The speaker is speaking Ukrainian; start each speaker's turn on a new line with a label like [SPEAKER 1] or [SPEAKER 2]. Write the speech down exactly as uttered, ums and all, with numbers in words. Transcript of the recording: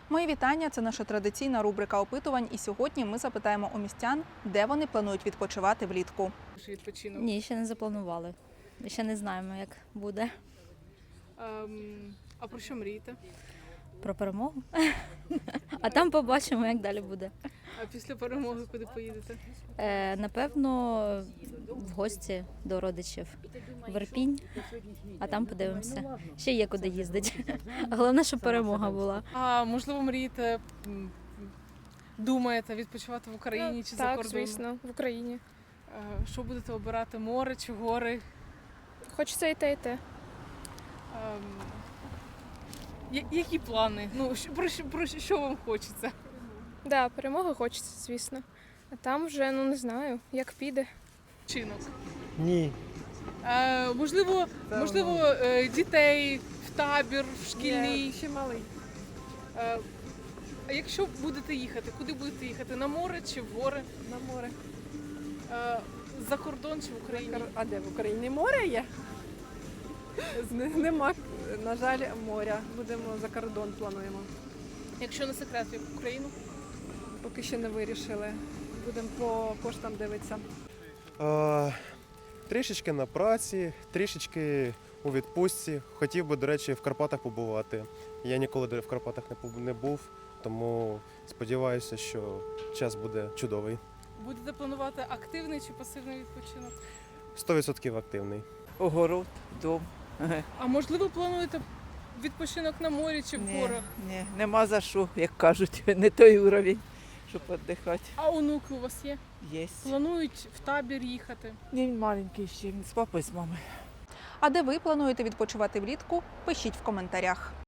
[SPEAKER 1] Мої вітання – це наша традиційна рубрика опитувань. І сьогодні ми запитаємо у містян, де вони планують відпочивати влітку.
[SPEAKER 2] Відпочинок.
[SPEAKER 3] Ні, ще не запланували. Ще не знаємо, як буде.
[SPEAKER 2] Ем, а про що мрієте?
[SPEAKER 3] Про перемогу. А там побачимо, як далі буде.
[SPEAKER 2] А після перемоги куди поїдете?
[SPEAKER 3] Е, напевно, в гості до родичів в Ірпінь, а там подивимося. Ще є куди їздити. Головне, щоб перемога була.
[SPEAKER 2] А можливо, мрієте, м, думаєте відпочивати в Україні чи за
[SPEAKER 4] Так,
[SPEAKER 2] кордоном?
[SPEAKER 4] звісно, в Україні.
[SPEAKER 2] Е, Що будете обирати? Море чи гори?
[SPEAKER 4] Хочеться і те, і те.
[SPEAKER 2] Ем, я- Які плани? Ну, що- про, що- про що вам хочеться?
[SPEAKER 4] Да, перемоги хочеться, звісно. А там вже, ну не знаю, як піде.
[SPEAKER 2] Чинок.
[SPEAKER 5] Ні.
[SPEAKER 2] Е, можливо, можливо, е, дітей в табір, в шкільний.
[SPEAKER 6] Ще малий.
[SPEAKER 2] Е, А якщо будете їхати, куди будете їхати? На море чи в гори?
[SPEAKER 6] На море.
[SPEAKER 2] Е, За кордон чи в Україні?
[SPEAKER 6] А де в Україні море є? З- Нема, на жаль, моря. Будемо за кордон плануємо.
[SPEAKER 2] Якщо не секрет, в Україну?
[SPEAKER 6] Поки ще не вирішили. Будемо по коштам дивитися.
[SPEAKER 5] А, трішечки на праці, трішечки у відпустці. Хотів би, до речі, в Карпатах побувати. Я ніколи в Карпатах не побу- не був, тому сподіваюся, що час буде чудовий.
[SPEAKER 2] Будете планувати активний чи пасивний відпочинок?
[SPEAKER 5] сто відсотків активний.
[SPEAKER 7] Огород, дом.
[SPEAKER 2] А можливо, плануєте відпочинок на морі чи в
[SPEAKER 7] Ні,
[SPEAKER 2] горах?
[SPEAKER 7] ні, нема за що, як кажуть, не той уровень, щоб віддихати.
[SPEAKER 2] А онуки у вас є?
[SPEAKER 7] Є.
[SPEAKER 2] Планують в табір їхати?
[SPEAKER 7] Ні, він маленький ще, він з папою, з мамою.
[SPEAKER 1] А де ви плануєте відпочивати влітку? Пишіть в коментарях.